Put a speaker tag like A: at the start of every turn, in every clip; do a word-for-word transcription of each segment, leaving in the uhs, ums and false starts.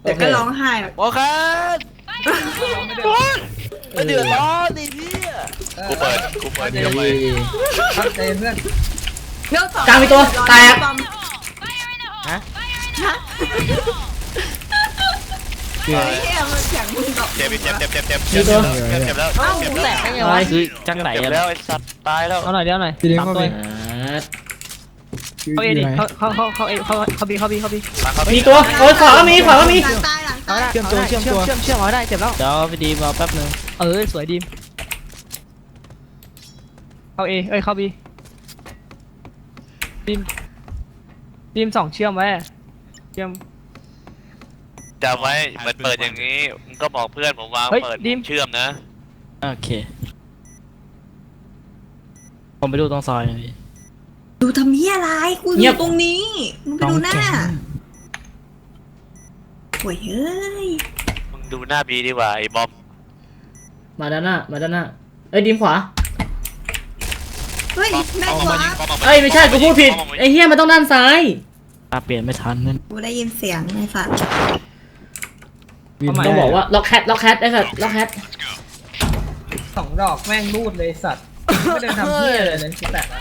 A: แต่ก็ร้องไห้อะ
B: โอเคไม่เดือดร้อนดิพี่กูเปิดกูเปิดเดี๋ยวไป
C: ตั้งใจเพื่อน
A: เรื่องสอง
D: กลางมีตัวแตก
B: ฮะ
A: ฮะเฮ้ยมันเสียงมึงตอบ
B: เจ็บเจ็บเจ็บเจ็บเจ็บเจ็บเจ็บเจ็บแล้วเจ็บแล้ว
C: แตกได้ไง
D: ตา
C: วะ
D: ย
E: คือจังไหน
B: เจ็บ
E: อะ
B: แล้วไอ้สัตว์ตายแล้ว
C: เอาหน่อยเดี๋ยวหน่อย
F: ทีเดียว
C: สาม
F: เข้า
C: ตั
F: ไป
C: วเขาเอดิเขาเขาเขาเขาเอเขาเขาบีเขาบีเขาบี
D: มีตัวโอ้ยขวาก็มีขวาก็มี
A: หลังตายหลังตาย
F: เชื่อมตัวเชื่อมตัว
C: เชื่อมเชื่อมเอาได้เจ็บแล้ว
E: เดี๋ยวพี่ดีมาแป๊บนึง
C: เออสวยดีมเขาเอเอ้ยเขาบีดีมดีมสองเชื่อมไว้เชื่อม
B: จำไว้เหมือนเปิดอย่างนี้มึงก็บอกเพื่อนผมว่า
C: เฮ้ย
B: เปิด
C: ดิม
B: เชื่อมนะ
E: โอเคผมไปดูตรงซอยนะพี่
A: ดูทำเหี้ยอะไรกูอ
D: เงียบ
A: ยู่ตรงนี้มึงไปดูหน้าโอ้ยเฮ้ย
B: มึงดูหน้าบีดีกว่าไอ้บอม
D: มาด้านหน้ามาด้านหน้าเอ้ยดิมขวา
A: เฮ้ยแม่งวะ
D: เอ้ยไม่ใช่กูพูดผิดไอ้เหี้ยมันต้องด้านซ้าย
E: ตาเปลี่ยนไม่ทันนั่น
A: กูได้ยินเสียงในฝัน
D: ต้องบอกว่าล็อกแคทล็อกแคทไอ้สัตว์ล็อกแคท
C: สองดอกแม่งรูดเลยสัตว์ไม่ได้ทำเพี้ยเลยเลยคิดแตก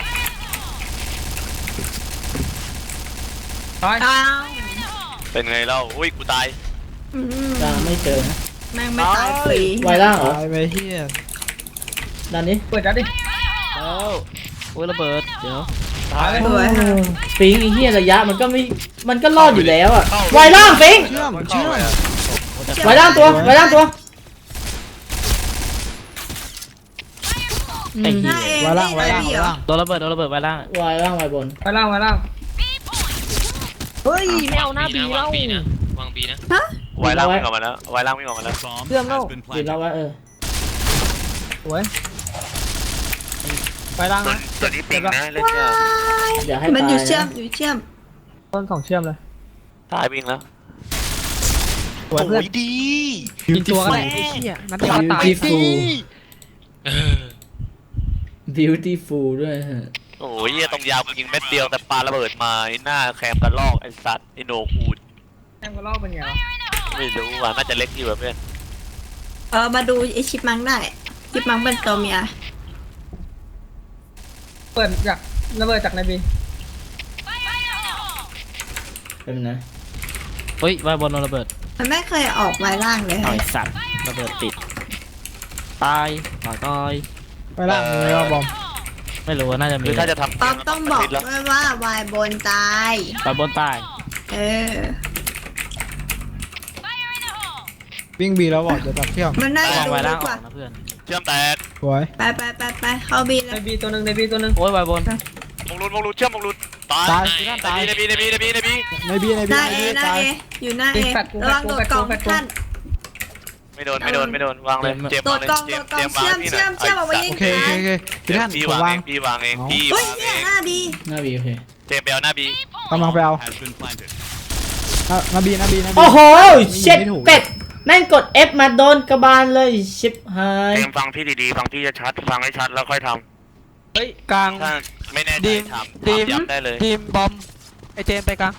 C: ตาย
A: อ้าว
B: เป็นไงเล่าอุ้ยกูตาย
A: อืม
D: ตามไม่เจอนะ
A: แม่งไม่ตายฟรี
D: ไวล่างเหรอ
F: ตายไปเฮีย
D: ด้านนี้
C: เปิดแล้วดิ
E: แล้วโอ้ยระเบิดเดี๋ยว
B: ตาย
A: สวยค่ะ
D: ฟิงไอ้เหี้ยระยะมันก็ไม่มันก็รอดอยู่แล้วอะไวล่างฟิง
F: เชื่อมเชื่อม
D: ไวล่างตัวไวล่างตัว
E: ไอ้
A: ห
E: เหี้
A: น้าย เอง
F: ไว้ล่างไว้ล่าง
A: นี่
F: ไว้
A: เหรอ
F: ล่าง
E: โดนระเบิดโดนระเบิดไว้ล่าง
D: ไวล่างไวบน
C: ไปล่างไปล่างเฮ้ยไม่เอาหน้าบีแล้ว
G: วางบีนะ
B: ไวล่างวิ่งออกมาแล้วไวล่างวิ่งออกมาแล้ว
C: เชื่อมแล้ว
D: ดิมล็อกไว้เออ
C: สวยไปล่างนะ
B: ตัวนี้ปิงนะเล่นเนี่ย
D: อย่าให้
A: มัน
D: ตาย
A: อยู่เชื่อม
D: นะ
A: อยู่เชื่อม
C: ต้นสองเชื่อมเลย
B: ตายวิ่งแล้ว
C: สวยเพื่อน
B: โอ้ยดี
C: ยิงตัวก็ได้ไอ้เหี้ยนัดเดียวตาย
D: beautiful beautiful ด้วยฮะ
B: โอ้ยเหี้ยตรงยาวมึงยิงเม็ดเดียวแต่ปาระเบิดมาไอ้หน้าแคมกระลอกไอ้สัตว์ไอ้โหนกอูด
C: แอมก็ลอกเป็นไงวะ
B: ไม่รู้ว่ะน่าจะเล็กอยู่แบบเพื่อน
A: เออมาดูไอชิปมังได้ชิปมังเป็นตัวเมีย
C: เปิดจากระเบิดจากในบี
D: เป็นนะ
E: เฮ้ยไว้บนโดนระเบิด
A: มันไม่เคยออกไวล่างเลย
E: ต่อยสัตว์ระเบิดติดตายต่อยตาย
F: ไปล่างเลยว่าบอม
E: ไม่รู้ว่าน่าจะมี
B: คือถ้าจะทำ
A: ป๊อปต้องบอกด้วยว่าวายบนตาย
E: ไปบนตาย
A: เออ
F: วิ่งบีแล้วบอกจะตัดเชื่อม
A: มันน่า
E: ระ
A: จะ
E: วัง
A: ดู
E: ไว้
A: ดี
E: ล่าง
A: ก
E: ออ
A: ว่าก
E: นะเพื่อน
B: เชื่อมแตก
F: สวย
A: ไปไปไปไปเข้าบีเล
C: ใน
A: ย
C: บีตัวหนึ่งในบีตัวหนึ่ง
E: โอ้ยไว้บน
B: มงลุนมงลุนเชื่อมมงลุนตาย
F: ตาย
B: ตายในบีในบีในบีในบี
F: ในบีใน
A: ห
F: บี
A: น้า
F: ใน
A: เอ
F: บี
A: หน้า
F: ตาย
A: เออยู่หน้าเอ
C: แฟดกู
A: ระวัง
C: แฟ
A: โด
C: ด
A: ด
C: กู
A: กล่อง
C: แฟดกู
A: ท่าน
B: ไม่โดนไม่โดนไม่โดนวางเลยเจม
A: โดด
B: เลย
A: กล่อง
B: เจ
A: โด
B: ม
A: ดกล่อง
B: เจมวาง
A: เชื่อม
B: พี่หน่
A: เชื่อมเชื่อมเอาไว้ยิง
F: โอเคโอเคโอเคพี่ท่าน
B: พี่
F: ผม
B: วาง
F: วาง
B: เองพี่วางเอง
F: เอา
B: พี่
A: เฮ้ยว
B: างเอ
A: เนี่ย
B: ง
A: หน้าบี
D: หน้าบีโอเค
B: เจมไปเอาหน้าบี
F: กำลังไปเอาอ่ะนาบีนาบีนาบี
D: โอ้โห
F: ไม่
D: เช็ด
F: ไม่ถูก
D: เป็ดแม่งกด F มาโดนกระบาลเลยชิบหาย
B: เจมฟังพี่ดีๆฟังพี่จะชัดฟังให้ชัดแล้วค่อยท
C: เฮ้ยกลาง
B: ำถ้าไม่แน่ใจ
C: ดีม
B: ทำ
C: ดีม
B: ทำย้ำได้เลย
C: ทีมบอมไอเจมไปกลาง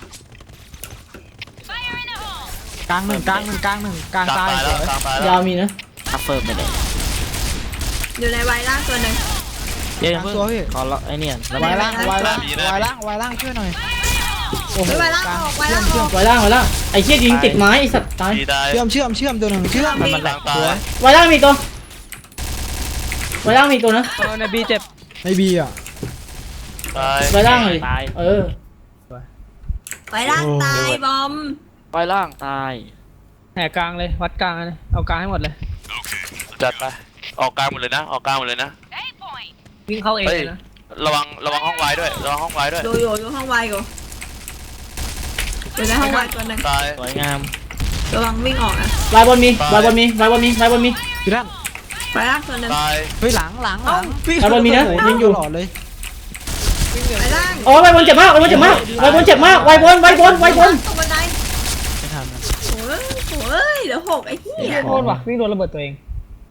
F: กลางหนึ่งกลางหนึ่งกลางหนึ่งกลาง
B: กลาง
F: ตาย
B: ตายแล้วกลางตายแล้
D: ยาว วมีนะ
E: ทัฟเฟิร์มไปเลย
A: อยู่ในไวล่างตัวหนึ่ง
E: เดี๋ยวเพิ่งขอล็อกไอ้เนี่ยระ
F: วา
E: เบิ
F: ย
E: ด
F: ล่างวายล่างวายล่างวายล่างช่วยหน่อยโอ้โห
A: ไวล่าง
F: กลาง
A: ออกไวล่างออก
D: ไวล่างไวล่างไอ้เชี่ยยิงติดไม้ไอ้สัตว์ตาย
B: พี่ได้
F: เชื่อมเชื่อมเชื่อมตัวหนึ่งเชื่อม
E: มันมันแหล
B: กลาก งตาย
D: ไวล่างมีตัวไวล่างมีตัวนะ
C: เออในบีเจ็บ
F: ในบีอ่ะ
B: ตาย
D: ไวล่างเลย
E: ตาย
D: เออ
A: ไวล่างตายบอม
E: ไว้ล่างตาย
C: แหกกลางเลยวัดกลางเลยเอากลางให้หมดเลย
B: จัดไปออกกลางหมดเลยนะออกกลางหมดเลยนะ
C: วิ่งเข้าเอง
B: เฮ้ย
C: เลยนะ
B: ระวังระวังห้องไว้ด้วยระวังห้องไว้ด้วย
A: ดูอยู่อยู่ห้องไวอยู่อยู่ในห้องไวตัวหนึ่ง
B: ตาย
E: สวยงาม
A: ระวังวิ่งออกนะ
D: ไวบนมีไวบนมีไวบนมีไวบนมี
F: พี่ท่าน
A: ไวล่างตัวหนึ่ง
B: ตาย
F: เฮ้ยหลังหลังหลัง
D: ไวบนมีนะยิงอยู่
F: ตลอดเลย
A: ไวล่าง
D: โอ้ไวบนเจ็บมากไวบนเจ็บมากไวบนเจ็บมากไวบนไวบนไวบน
A: ตกบันได
E: ไม่ทันนะ
A: โอ้ยโอ้ยเดี๋ยวหกไอ้เหี้ย
C: โดนว่ะวิ่งโดนระเบิดตัวเอง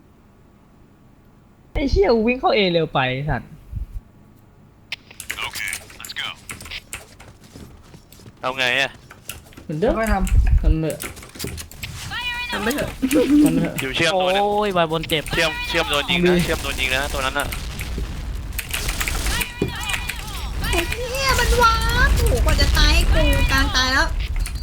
C: ไอ้เชี่ยวิ่งเข้าเอเร็วไปสัตว์
B: เอาไงอะ
D: เหมือนเดิม
C: ค่อยท
D: มันเหมือน
A: ทำไปเถอะ
D: ทำไปเถอะ
B: อยู่เชื่อม
E: โอ้
B: ตัวนึง
E: ยวายบนเจ็บ
B: เชื่อมเชื่อมโดนยิงนะเชื่อมโดนยิงนะตัวนั้นน่ะ
A: ไอ้เหี้ยมันว้าถูกกว่าจะตายให้กูกลางตายแล้ว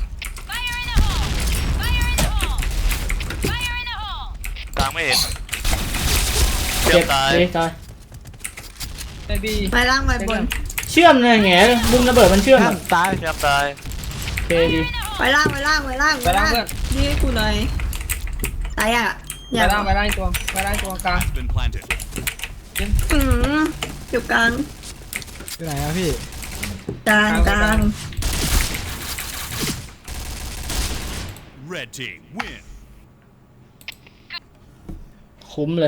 B: กลางไม่เห็นเชื่อ
D: เจ็
B: ม
D: บ
B: ตาย
D: เลยตาย
C: ไอบี
A: ไปล่างไปบน
D: เชื่อมเลยแง่มุมระเบิดมันเชื่อม
E: ข้า
D: อะ
E: งตาย
B: เชื่อมตาย
D: โอเคดี
A: ไปล่างไปล่างไปล่าง
C: ไปล่างเพื่อน
A: นี่ให้กูหน่อยตายอ่ะอ
C: ไป
A: ย่า
C: ล่างไปล่างตัวไปล่างตัวกลาง
F: Has been planted.
A: อืมอยู่กลาง
E: อยู่ไหนอะพี่
A: กลางกลาง
F: Red team win.
D: คุ้มเลย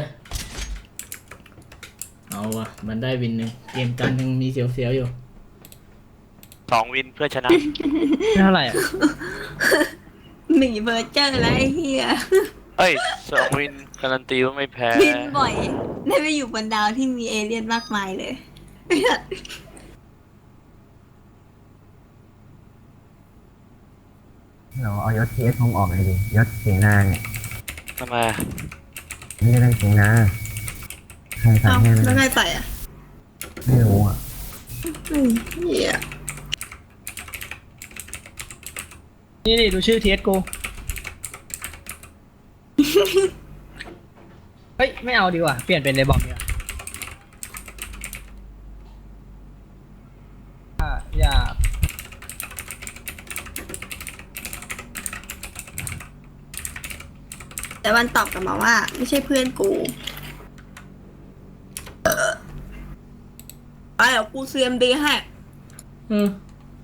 D: เอาวะมันได้วินหนึ่งเกมกันยังมีเสียวๆอยู่
B: สองวินเพื่อชนะ
E: เท่าไหร่อะ
A: หมีเบอร์เจอร์แล้วไอ้เหี้ย
B: เอ้ยสองวินการันตีว่าไม่แพ้
A: บินบ่อยได้ไปอยู่บนดาวที่มีเอเลี่ยนมากมายเลย
G: เราเอายศทีเอสผมออกเลยดิยศเสียงนาเนี่ย
B: ทำไมอะ
G: ไม่ได้เป็นเสียงนาใครสั่
A: เอ้าง
G: ให้
A: แล้ว
G: มัน
A: ไงใส่อ่ะ
G: ไม่รู้อ่ะ
A: อืมเหี้ย
C: นี่นี่ดูชื่อเทสกูเฮ้ยไม่เอาดีกว่าเปลี่ยนเป็นเลบอมดีกว่าอ่ะอย่า
A: แต่มันตอบกลับมาว่า ไม่ใช่เพื่อนกูเออไปเดี๋ยวกูซีเอ็มดีให้
D: อืม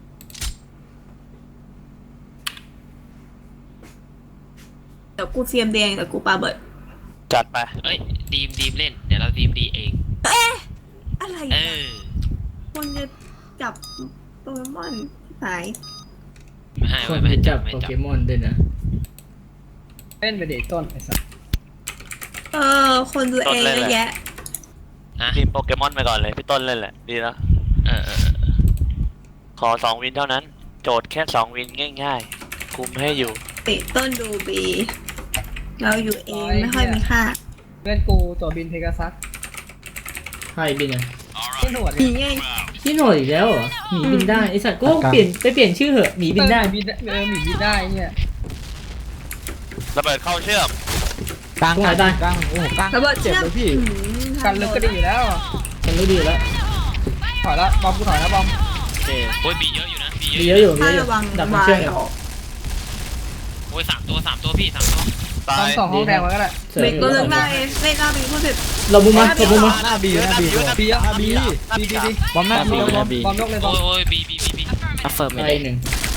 A: เดี๋ยวกูซีเอ็มดีเองเดี๋ยวกูปาเบิร์ด
B: จัดไป
H: เอ้ยดีมดีมเล่น เดี๋ยวเราดีมดีเอง
A: เอ๊ะอะไร
H: เอ
A: อ่ะ
H: อ
A: คนจะจับโปเกมอนสาย
H: ไม่ให้
D: คน
H: ไม่
D: ไป
H: ให้
D: จั
H: จั
D: บบ
H: ไม่
D: โป
H: จั
D: เก
H: บ
D: มอนด้วยนะ
C: เล่นไปเด็กต้นไอ้สัส
A: เออ คนดูเองเยอะแยะ
H: ฮะ
B: ทีมโปเกมอนไปก่อนเลยพี่ต้นเล่นแหละดีแล้ว
H: เออเออเออ
B: ขอสองวินเท่านั้น โจทย์แค่สองวินง่ายๆ คุมให้อยู่
A: ติดต้นดูบี เราอยู่เองไม่ค่อยมีค่า
C: เพื่อนกูตัวบินเพกาซัส
D: ให้บินอ่ะ
C: ที่หนวด
A: ผี
C: เนี่ย
A: ไง
D: ที่หน่อยอีกแล้วเหรอหมีบินได้ไอสัตว์กูเปลี่ยนไปเปลี่ยนชื่อเหอะหมีบินได้
C: เออบินเออหมีบินได้เนี่ย
B: ระเบิดเข้าเชื่อม
E: กลาง
D: ตรงไหน
E: กลา
D: ตาย
E: งกลางโอ้โหกลาง
A: ระเบิด
E: เจ็บ
A: เชือก
E: เลยพี่
A: อืม
C: กันลึกก็ดีอยู่แล้ว
D: ฉันรู้ดีอยู่แล้ว
C: ถอยละบอมกูถอยละบอม
E: โอเค
H: โอ้ยบีเยอะอยู่นะบี
D: มี
H: เย
D: เย
H: อะ
D: อะอยู่มี
A: ถ้า
D: เยอะอยู่
A: ระวัง
D: ดับมัน
A: วา
D: เชื่อม
A: ย
D: กัน
A: ออก
H: โอ้ยสามตัวสามตัวพี่สามตัว
B: ตา
C: บอม
B: ย
C: สองห้องแดงมาก็ได้
D: เสริม
A: เบรก
D: อยู่
A: ตัว
D: แล้ว
A: นึงได้เล่นหน้าบีพูดผิด
D: เราบุมมาเราบุมมา
E: หน้าบีหน้าบี
B: เยอะนะ
C: บีอะ
E: หน้าบี
C: บีบีบีบี
E: บอมหน้าบี
C: บอม
E: หน้าบี
C: บอมยกเลยบ
H: โอ้
C: อม
H: ยโอ้ยบีบีบีบี
E: อัฟเฟิร์มไม่
D: ไอ
E: ได้
D: หนึ่ง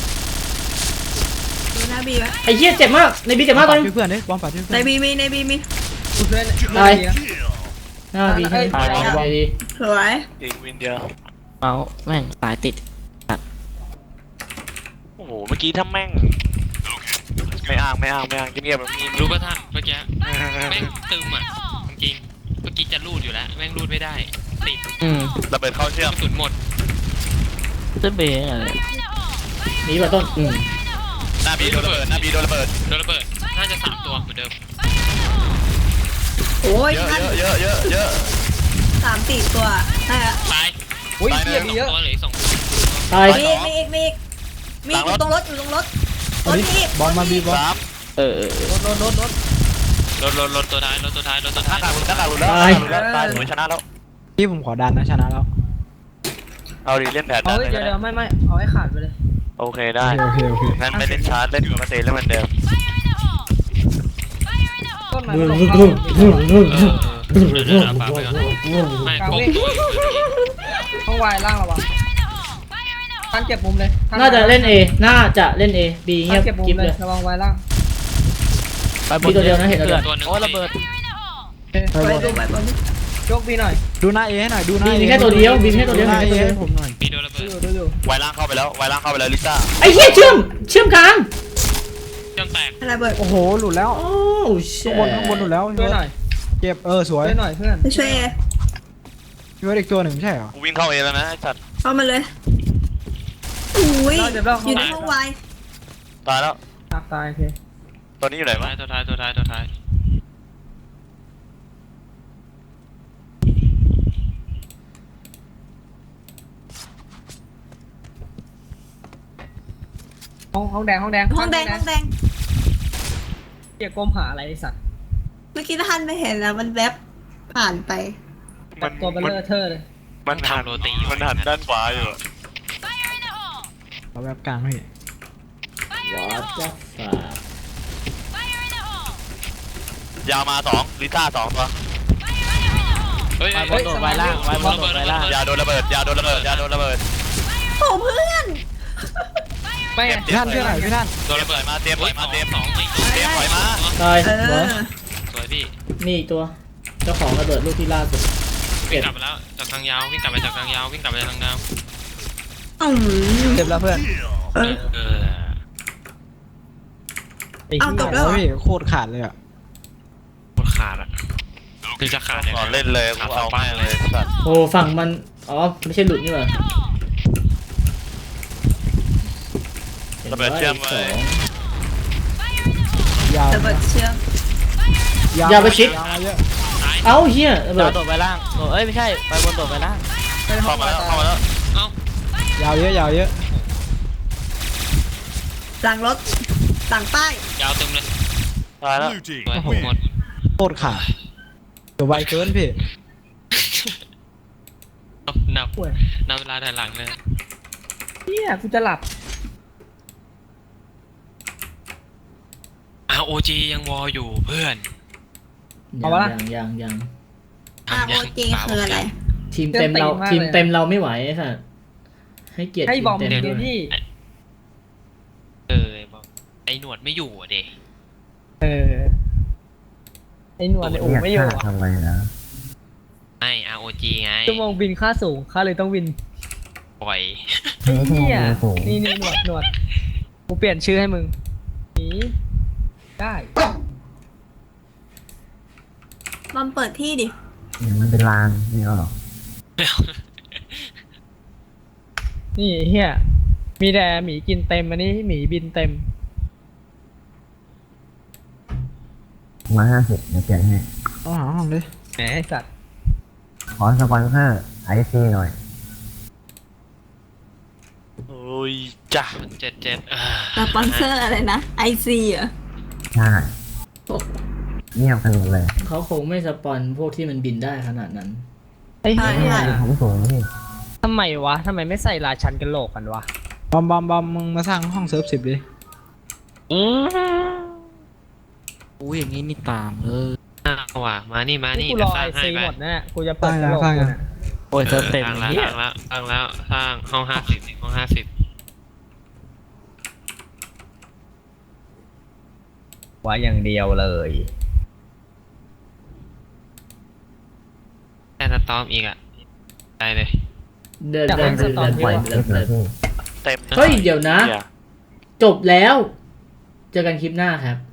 A: ดูหน้าบีไว้
D: ไอเหี้ยเจ็บมากในบีเจ็บมากตอนนี้
E: เพื่อนดิบอมปัดช่วย
A: ใน
E: เพื่อน
A: บีมีในบีมี
C: กูช่วย
D: ตาย
C: บีนะ
D: หน้าบีใช่ไหม
C: ตายแล้ว
D: ตายดี
A: สวย
B: อีกวินเดียว
E: เมาส์แม่งตายติด
B: โอ้โห เมื่อกี้ถ้าแม่ง ไม่อ้างไม่อ้างไม่อ้างเงียบๆแบบนี้
H: รู้ป่ะท่านเมื่อกี้แม่งตึมอ่ะจริงๆเมื่อกี้จะรูดอยู่แล้วแม่งรูดไม่ได้ติด
E: อืม
B: ระเบิดเข้าเชื่อม
H: กระสุนหมด
E: เจะเบย์อะไร
D: หนีป่ะต้นอืม
B: หน้าบีโดนระเบิดหน้าบีโดนระเบิด
H: โดนระเบิดน่าจะสามตัวเหมือนเดิม
A: โอ้ย
B: เยอะ
A: ท่าน
B: เยอะเยอะเยอะเยอะ
A: สามสี่ตัวใช่อะ
H: ตาย
C: อุ้ยเฮีย
H: ส
C: บี
H: อง
C: เยอะ
H: ตัวเหลืออีกสองตัว
D: ตาย
A: มีอีกมีอีกมีอีกมีอีกอยู่ตรงรถอยู่ตรงรถรถมีอีก
E: บอลมาบีบอล
B: สาม
E: เออเออ
C: โดนโดนโดนโดน
H: รถรถรถตัวท้ายรถตัวท้ายรถตัว
B: หน้า
H: ท้าย
B: กากหลุดหน้ากากหลุดแล้วหน้ากากหลุดแล้วตายหนูชนะแล้ว
E: พี่ผมขอดันนะชนะแล้ว
B: เอาดิเล่นแผน
C: เอา
B: นั้นเลย
C: เดี๋ยว
B: ก็
C: เดี๋
B: ได้
C: ยวไม่ไม่เอาให้ขาดไปเลย
B: โอเคได้
E: โอเคโอเค
B: งั้นไม่เล่นชาร์จเล่นปกติแล้วเหมือนเดิม
C: ต้นไม้
D: นู่น
C: ตรง
D: นู่น
C: เข้า
D: นู่นนู่น
H: เออเออเดี๋ยวเดี๋ยวเอาปาไปก่อนไม่ครบตัวอยู่เลย
C: ห้องวายล่างระวังท่านเก็บมุมเลย
D: น่าจะเล่น A น่าจะเล่น A B เงี
C: ท่าย น
D: บ
C: เก็บมุม
D: กิ๊บ
C: เล
D: เลย ย
C: ระวังวายล่าง
E: ไปบ
D: มีตัวเดียวนะเห็นแล้ว
H: ตัวหนึ่ง
E: โอ้ระเบิด
C: เฮ้ย
E: ไป
A: ไป
E: บอล
A: ดูไปบอล
C: ยกบีหน่อย
E: ดูหน้าเอให้หน่อยดูหน้า
D: บี
E: เอ
D: มีแค่ตัวเดียวบีมีแค่ตัวเดียว
E: หน้า
D: มี
E: เอ
D: แค่ตัวเดียว
E: ให้ผมหน่อย
H: มีโดนระเบิ
C: ดู
H: ด
C: อยู่ดูอยู่
B: ไวล่างเข้าไปแล้วไวล่างเข้าไปแล้วลิซ่า
D: ไอ้เหี้ยเชื่อมเชื่อมกลาง
H: เชื่อมแตก
A: อะไรเบิร์ด
E: โอ้โหหลุดแล้ว
D: โอ้เช
E: ข้างบนข้างบนหลุดแล้ว
C: ช่วยหน่อย
E: เก็บเออสวย
C: ช่วยหน่อยเพื่อน
A: ไปช่วยเอ
E: พี่ว่าอีกตัวหนึ่งไม่ใช่เหรอ
B: กูวิ่งเข้าเองแล้วนะไอ้สัตว์
A: เข้ามาเลยอุ้ย
C: เราเดี๋ยวเรา
A: อยู่ในห้องวาย
B: ตายแล้ว
C: ตายโอเค
B: ตัวนี้อยู่ไหน
H: ตัว
B: วะ
H: ท้ายตัวท้ายตัวท้ายตัวท้าย
C: ห้องห้องแดงห้องแดง
A: ห้องแดงห้องแดง
C: เกียก้มหาอะไรไอ้สัตว์
A: เมื่อกี้ท่านไม่เห็นแล้วมันแวบผ่านไป
C: แบบตัวเบลเลอร์เทอร์เลย
B: มันหันมันหันด้านขวาอยู่
E: เอาแบบกลางพี่
D: วอตจ้าฝาย
B: าวมาสองลิซ่าสองตัว
H: เฮ้ย
E: ไว้บนโดดไว้ล่างไว้บนโดดไว้ล่าง
B: ยาโดนระเบิดยาโดนระเบิดยาโดนระเบิด
A: โอ้เพื่อน
C: ไม่
E: พี่ท่านพี่ท่านพี่ท่าน
B: โดนระเบิดมาเตรียมปล่อยมาเตรียม
H: สองอีก
B: เตรียมปล่อยมา
D: ตาย
A: เอ
D: เหรอ
A: อ
H: สวยพี่
D: นี่อีกตัวเจ้าของระเบิดลูกที่ล่าสุด
H: วิ่งกลับไปแล้วจากทางยาววิ่งกลับไปจากทางยาววิ่งกลับไปทางยาว
A: อืม
E: เจ็บแล้วเพื่อน
A: เออ
H: เออ
C: ไอ้
A: เอา
C: เหี้
A: จ
C: ย
A: บแล้วเหรอ
E: พี่โคตรขาดเลยอ่ะ
H: หมดขาดอ่ะคือจะขาด
B: ก่อนเล่นเลยกูเอาแม่งเลยสัตว์
D: โอ้ฝั่งมันอ๋อไม่ใช่หลุดนี่หว่า
B: ระเบิดเชื่อม
D: ส
B: เล
D: อย ง
E: ยาว
A: ระเบิดเชื่อม
D: อย่าไปชิด
E: ยาวมาเยอะ
H: ตาย
D: เอ้าเฮียระเบิ
E: ยาว
D: ด
E: โดดไปล่างโดดเอ้ยไม่ใช่ไปบนโดดไปล่าง
B: เข้ามาแล้วเข้ามาแล้ว
H: เอ้าย
E: าวเยอะยาวเยอะ
A: หลังรถหลังป้าย
H: ยาวเต็มเลย
B: ตายแล้ว
F: Blue team
H: สวย
F: win.
H: หมด
E: โคตรขาดเดี๋ยวไวเกินพี่
H: นับนับนับเวลาถอยหลังเลย
C: เหี้ยกูจะหลับ
H: อาโอจียังวออยู่เพื่อน
D: ยังยังยัง
A: อาโอเจคืออะไร
D: ทีมเต็มเราทีมเต็มเราไม่ไหวไอ้สัสให้เกียรติ
C: ให้
D: ทีม
C: บอม
D: เต็ม
C: เดี
D: ด้
C: ยว วย พี่
H: เออบอกไอ้หนวดไม่อยู่อ่ะเด็
C: เออไอ้หนวดในอู่
G: เรียก
C: ไม่อยู่
G: ค่า
C: อะ
G: ทำไมนะ
H: ไม่ อาร์ โอ จี ไง
C: ชั่วโมงบินค่าสูงค่าเลยต้องวิน
H: ปล่อย
C: ไอ้เหี้ย
G: สูง
C: นี่นี่หนวดหนวดกูเปลี่ยนชื่อให้มึงหนีได้
A: บอมเปิดที่ดิ
G: มันเป็นลางนี่หรอ
C: นี่เฮียมีแต่หมีกินเต็มอันนี้หมีบินเต็ม
G: มาห้าสิบเดี๋ยวเปลี่ยนให้
E: ต้องหาห้องดิ
C: แหมไอ้สัตว์
G: ขอสปอนเซอร์ไอซีหน่อย
B: โอ้ยจ้า
H: เจ็ดเจ็ดเออ
A: สปอนเซอร์อะไรนะไอซีเหรอ
G: ใช่เงียบกันหมดเลย
D: เขาคงไม่สปอนพวกที่มันบินได้ขนาดนั้น
C: ไอ้เหี้ย
G: ผมสูงพี่
C: ทำไมวะทำไมไม่ใส่ราชันกันโหลกกันวะ
E: บอมบอมบอมมึงมาสร้างห้องเซิร์ฟสิบดิอุ้ยอย่างนี้นี่ตามเลย
H: อ้าวว่ะมานี่มานี่
C: กูร
H: เดี๋ย
C: อ
H: วสร้า
C: ไอง
H: ให้
C: ซี
H: ไป
C: หมดแน่กูจะเปิดกระโหลกกูน่ะ
E: โอ้ยเซิร์ฟเต็ม
H: สร้างแล้ว
E: เฮี
H: ส
E: ย
H: ร้างแล้วสร้างแล้วสร้างห้องห้าสิบห้องห้าสิบ
C: ไว้อย่างเดียวเลย
H: แค่สตอมอีกอ่ะได้เลย
D: เดินเดินเดินเดิน
G: ปล่อย
D: เดิ
G: คลิ
D: น
G: ป
D: เดิ
G: นะ
D: น
G: พี่
B: เต็ม
D: เฮ้ยเดี๋ยวนะ
B: เหี้ย
D: จบแล้ว เจอกันคลิปหน้าครับ